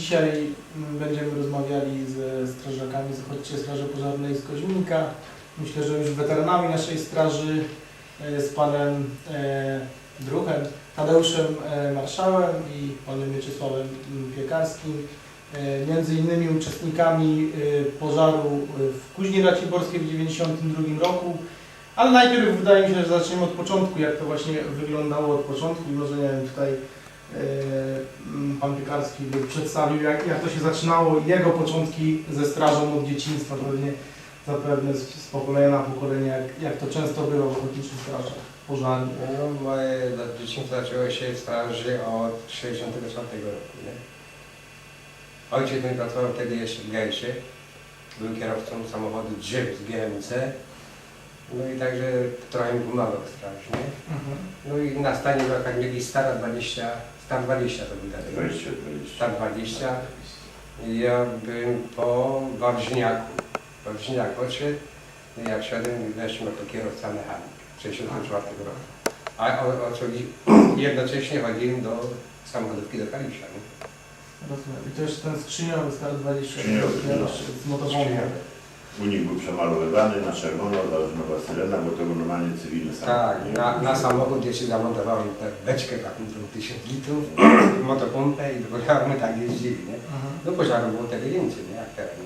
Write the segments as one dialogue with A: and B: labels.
A: Dzisiaj będziemy rozmawiali ze strażakami z Ochotniczej Straży Pożarnej z Koźminka. Myślę, że już weteranami naszej straży, z panem Druchem, Tadeuszem Marszałem i panem Mieczysławem Piekarskim. Między innymi uczestnikami pożaru w Kuźni Raciborskiej w 1992 roku. Ale najpierw wydaje mi się, że zaczniemy od początku, jak to właśnie wyglądało od początku i może nie wiem, tutaj pan Piekarski by przedstawił, jak to się zaczynało, jego początki ze strażą od dzieciństwa, zapewne z pokolenia na pokolenie, jak to często było w ochotniczych strażach pożarnych.
B: No, moje dzieciństwo zaczęło się w straży od 1964 roku. Nie? Ojciec mój pracował wtedy jeszcze w Gejsie, był kierowcą samochodu Jeep z GMC. No i także trochę mi pomagał w straży, nie? No i na stanie wakach mieli Star 20 to był wtedy. Star 20. I ja byłem po Wawrzyniaku. Wawrzyniak odszedł, no jak szedłem, weszłem jako kierowca mechanik w 1964 roku. A jednocześnie chodziłem do samochodówki do Kalisza. Nie?
A: Rozumiem. I to jeszcze ten skrzyniowy Star 20 z motowołą.
C: U nich był przemalowywany na czerwono, założona syrena, bo to był normalnie cywilny samochód.
B: Tak, na samochód jeszcze zamontowałem beczkę taką 1000 litrów, motopompę i do pożaru my tak jeździli, nie? Do pożaru było wtedy więcej, nie? Jak teraz.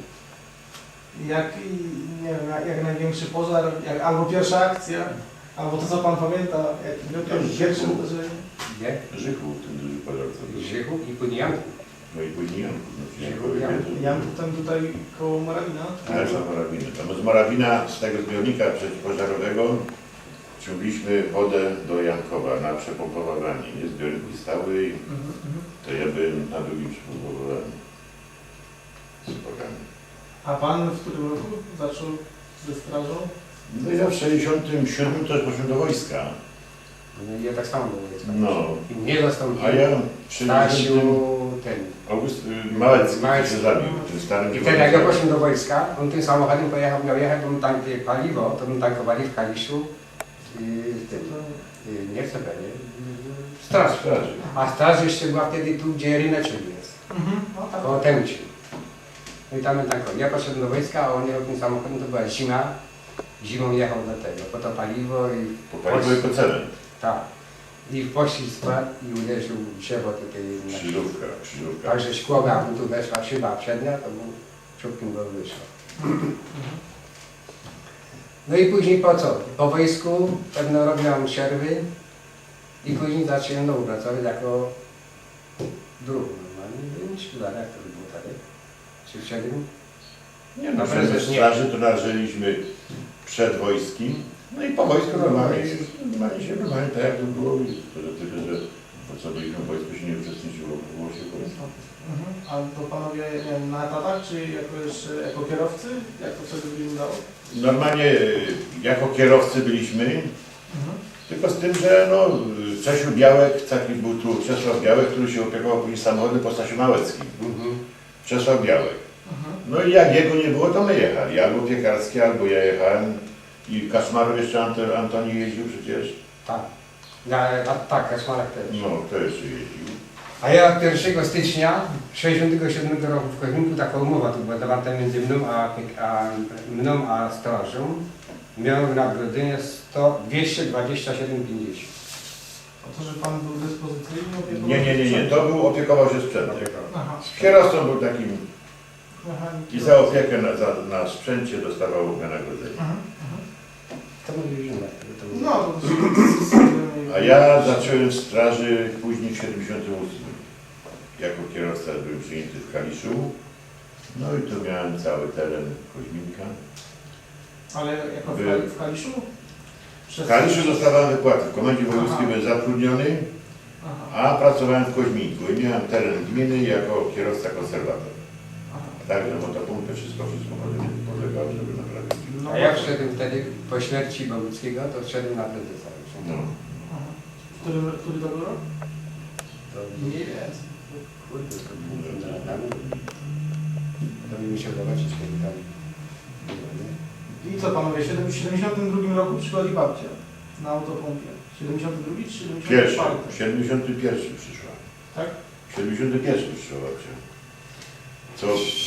A: Jak największy pożar, albo pierwsza akcja, albo to co pan pamięta, jak pierwsze uderzenie?
B: Gdzie?
C: Żychu, ten duży pożar co był.
B: Żychu i później Janku.
C: No i później Janku.
A: Janku ten tutaj koło Morawina?
C: Ale za Morawiny. To z Morawina, z tego zbiornika przeciwpożarowego ciągliśmy wodę do Jankowa na przepompowanie. Nie zbiorniki stały i to ja byłem na drugim przepompowaniu z bogami.
A: A pan w którym roku zaczął ze strażą?
C: No ja w 67 też poszedłem do wojska.
B: No, ja tak samo byłem.
C: No.
B: I mnie zastąpił
C: A ja w
B: Stasiu
C: 60
B: ten.
C: August Małecki się zabił, tym starym.
B: I wtedy jak ja poszedłem do wojska, on tym samochodem miał jechać, bo mu tankuje paliwo, to mu tankowali w Kaliszu nie chcę powiedzieć, straży. A straż jeszcze była wtedy tu, gdzie ryneczek jest, koło Tęci. No i tam tankowali. Ja poszedłem do wojska, a on jechał tym samochodem, to była zima. Zimą jechał do tego, po to paliwo i...
C: Po paliwo i po cenę.
B: Tak. I w pościg spadł i uderzył w drzewo tutaj.
C: Krzyżówka.
B: Także szkło, jak mu tu weszła szyba przednia, to mu czubkiem go wyszło. No i później po co? Po wojsku pewno robiłam przerwy i później zacząłem znowu pracować jako druh normalnie. Nie wiem, jak to by było wtedy? Czy w 7?
C: Nie no, w straży to należeliśmy przed wojskiem. No i po wojsku normalnie tak jak to było. Tylko, że po co byliśmy w wojsku się nie uczestniczyło, było się w wojsku.
A: A to panowie nie wiem, na etatach, czy jako kierowcy? Jak to wtedy wyglądało?
C: Normalnie jako kierowcy byliśmy, tylko z tym, że no, Czesiu Białek, taki był tu Czesław Białek, który się opiekował później samochodem po Stasiu Małeckim. Czesław Białek. No i jak jego nie było, to my jechali. Albo Piekarski, albo ja jechałem. I Kaczmarów jeszcze Antoni jeździł przecież.
B: Tak. Tak, Kaczmarek też.
C: No, to jeszcze jeździł.
B: A ja 1 stycznia 1967 roku w Koźminku taka umowa tu była zawarta między mną a strażą. Miałem wynagrodzenie 227,50.
A: A to, że pan był dyspozycyjny?
C: Nie. To był opiekował się sprzętem.
A: Aha.
C: Kierowcą był takim
A: Mechanik.
C: i za opiekę na sprzęcie dostawał wynagrodzenie.
B: To mówiliśmy.
A: No, to
C: A ja zacząłem w straży później w 78. Jako kierowca byłem przyjęty w Kaliszu. No i tu miałem cały teren Koźminka.
A: Ale jako w Kaliszu?
C: W Kaliszu dostawałem wypłaty. W komendzie wojewódzkiej byłem zatrudniony, a pracowałem w Koźminku i miałem teren gminy jako kierowca konserwator. Także motopompy, wszystko podlegało, żeby naprawić.
B: A ja wszedłem wtedy po śmierci Boguckiego, to wszedłem na prezesa już.
C: No.
A: Który to był rok?
B: Mniej więcej. Kurde, to mi się zobaczyć, kiedy tam było, nie?
A: I co panowie, w 72 roku przychodzi babcia na autopompie. 72 czy 74?
C: 71 przyszła.
A: Tak?
C: 71 przyszła babcia. To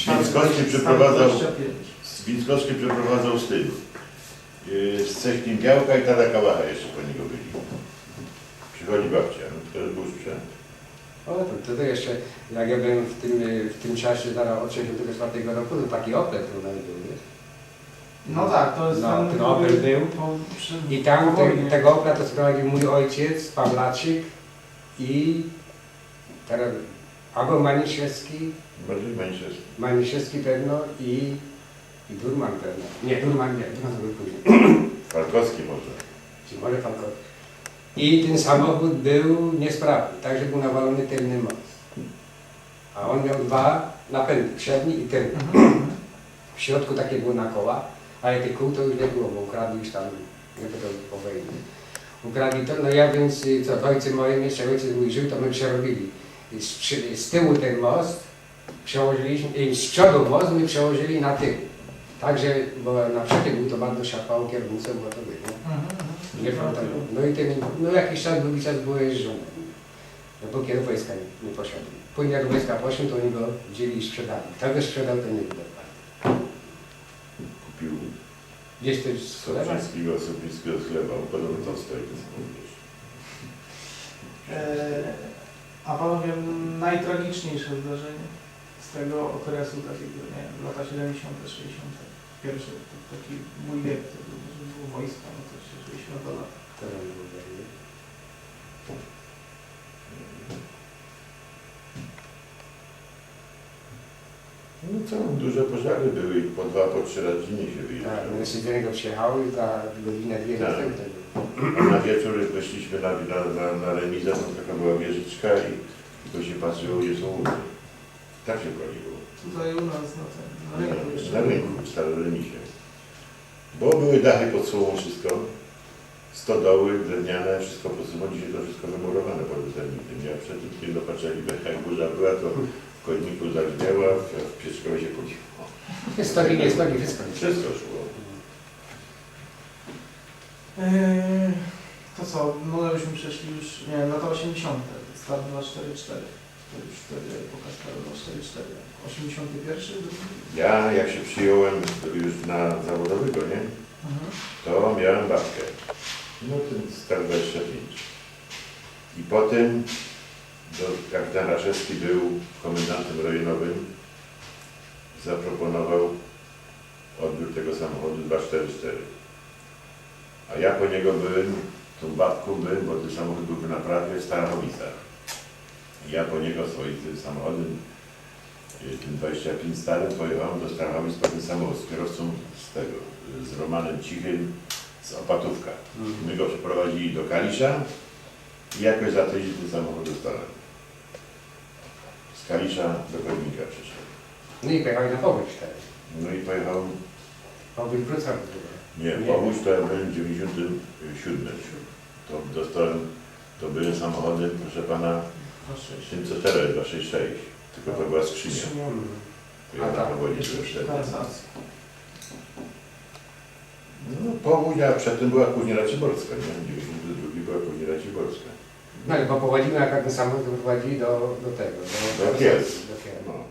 C: Winckowski
A: 25.
C: przeprowadzał z tym. Z Cechnim Białka i Tada Kałacha jeszcze po niego byli. Przychodzi babcia, no to był sprzęt.
B: O, to jeszcze, jak ja byłem w tym czasie, zaraz od 64 roku, to taki Opel tu nawet był, nie?
A: No tak, to jest
B: No, ten Opel był. I tam tego Opla to sprowadził mój ojciec, Pawlaczyk i teraz albo Maniszewski,
C: Bardziej Maniszewski.
B: Maniszewski pewno i Durman pewno. Nie, Durman to był później.
C: Falkowski może.
B: Czy może Falkowski. I ten samochód był niesprawny, także był nawalony tylny most. A on miał dwa napędy, przedni i tylny. W środku takie było na koła, ale tych kół to już nie było, bo ukradli już tam, nie to po wojnie. Ukradli to, no ja więc, co, w ojcu moim, jeszcze ojciec mój żył, to my przerobili. Z tyłu ten most przełożyliśmy, z przodu most my przełożyli na tył. Także, bo na przykład był to bardzo szarpało kierownicą, bo to było. Nie frontowo. No i ten, no jakiś czas, długi czas było jeżdżone. No bo kiedy wojska nie poszedł. Później jak wojska poszły, to oni go wzięli i sprzedali. Kto go sprzedał, to nie wiem.
C: Kupił
B: Gdzieś to jest sklepa?
C: Sopińskiego chleba, podobno tam stoi.
A: A panowie, najtragiczniejsze zdarzenie z tego okresu takiego, nie wiem, lata 70., 60. Pierwszy taki mój wiek, to było wojsko, no to się 60 lat.
C: No co, duże pożary były, po 2, po 3 razy dziennie się
B: Tak,
C: wyjeżdżało.
B: my się do niego przyjechały i za godzinę, dwie
C: Tak.
B: następne.
C: A na wieczór weszliśmy na remizę, tam taka była wieżyczka i to się patrzyło, gdzie są łódki. Tak się paliło.
A: Tutaj u nas na rynku jeszcze.
C: Na rynku, w starym remisie. Bo były dachy pod sobą, wszystko. Stodoły, drewniane, wszystko pod sobą. Dzisiaj to wszystko wymurowane pod termitem. Ja przed tym dopatrzyli, jak burza była, to w koźniku zagrzmiała, w Pietrzkowie się paliło.
B: Stogi, nie stogi, wszystko.
C: Wszystko szło.
A: To co, może byśmy przeszli już, nie wiem, lata 80. Start 244. To już wtedy epoka Start 244. 81.
C: Ja jak się przyjąłem już na zawodowego, nie? To miałem babkę. No ten Star 25. I potem kapitan Raszewski był komendantem rejonowym. Zaproponował odbiór tego samochodu 244. A ja po niego byłem, tą babką byłem, bo ten samochód był w naprawie w Starachowicach. I ja po niego swoim tym samochodem, tym 25 starym, pojechałem do Starachowic po ten samochód z kierowcą z Romanem Cichym z Opatówka. My go przeprowadzili do Kalisza i jakoś za tydzień ten samochód dostałem. Z Kalisza do Koźmika przyszedł.
B: No i pojechali na Powódź wtedy.
C: No i pojechał,
B: Powódź Wrocław.
C: nie, Powódź to ja byłem w 97. To dostałem, to były samochody, proszę pana, tym co teraz jest 266, tylko to była skrzynia. To ja na powodzie byłem wtedy. No Powódź, a przedtem była Kuźnia Ciborska, nie? 92 była Kuźnia Ciborska.
B: No ale bo powodzimy, jak ten samochód prowadzili do tego.
C: Do Kielc.
B: Do Kielc.
C: No.